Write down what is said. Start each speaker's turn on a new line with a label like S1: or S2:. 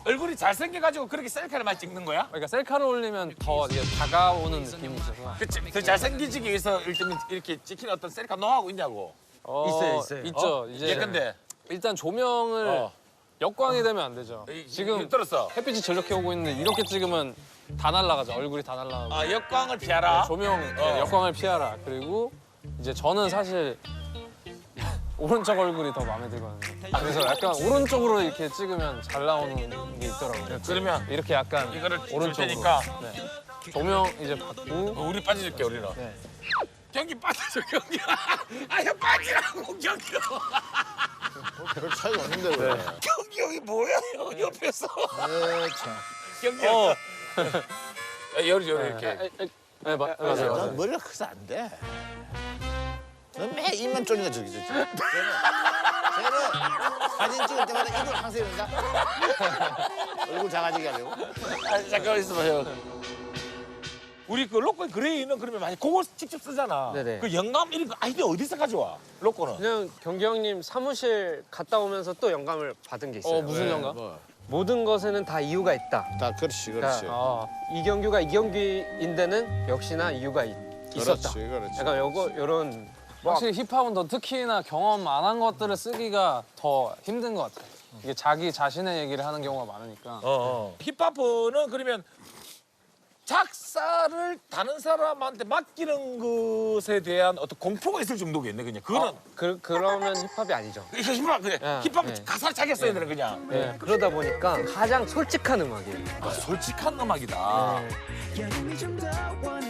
S1: 얼굴이 잘생겨가지고 그렇게 셀카를 많이 찍는 거야?
S2: 그러니까 셀카를 올리면 더 이제 다가오는 느낌이 있어서.
S1: 그치. 더 잘생기지기 위해서 이렇게 찍히는 어떤 셀카 노하고 있냐고.
S2: 있어요. 있죠. 이제
S1: 예컨대.
S2: 일단 조명을 역광이 되면 안 되죠. 지금
S1: 들었어.
S2: 햇빛이 저렇게 오고 있는데 이렇게 찍으면 다 날아가죠. 얼굴이 다 날아가고.
S1: 아, 역광을 피하라.
S2: 조명, 역광을 피하라. 그리고 이제 저는 사실 오른쪽 얼굴이 더 마음에 들거든요. 그래서 약간 오른쪽으로 이렇게 찍으면 잘 나오는 게 있더라고요.
S1: 그러면
S2: 이렇게 약간
S1: 이거를 줄
S2: 오른쪽으로.
S1: 테니까
S2: 네. 조명 이제 받고
S1: 우리 빠져줄게, 우리는.
S2: 네.
S1: 경기 빠져줘, 경기. 아, 형 빠지라고, 경기.
S3: 별 차이가 없는데 왜?
S1: 경기 형이 뭐야, 형 옆에서.
S3: 참.
S1: 경기 형. 요리 이렇게.
S2: 네, 맞아요.
S3: 넌
S2: 맞아요.
S3: 머리가 커서 안 돼. 넌 매 입만 쪼니까 저기. 쟤는 사진 찍을 때마다 입을 항상 이런다. 얼굴 작아지게 하려고.
S1: 아, 잠깐만 있어봐, 형. 우리 그 로꼬 그레이는 그러면 많이 그거 직접 쓰잖아.
S4: 네네.
S1: 그 영감 이런 거 아이디어 어디서 가져와? 로꼬는.
S4: 그냥 경기 형님 사무실 갔다 오면서 또 영감을 받은 게 있어요.
S2: 무슨 영감?
S3: 뭐.
S4: 모든 것에는 다 이유가 있다.
S3: 다 그렇지, 그렇지.
S2: 아,
S4: 이 경기가 이 경기인데는 역시나 이유가 있었다.
S3: 그렇지.
S4: 약간 요런
S2: 확실히 힙합은 더 특히나 경험 안 한 것들을 쓰기가 더 힘든 것 같아요. 이게 자기 자신의 얘기를 하는 경우가 많으니까.
S1: 힙합은 그러면 작사를 다른 사람한테 맡기는 것에 대한 어떤 공포가 있을 정도겠네, 그냥. 그거는
S4: 그러면 힙합이 아니죠.
S1: 이거 힙합 그래. 힙합
S4: 네.
S1: 가사를 자기가 써야 되는 그냥.
S4: 네. 그러다 보니까 가장 솔직한 음악이에요.
S1: 솔직한 음악이다.
S4: 네.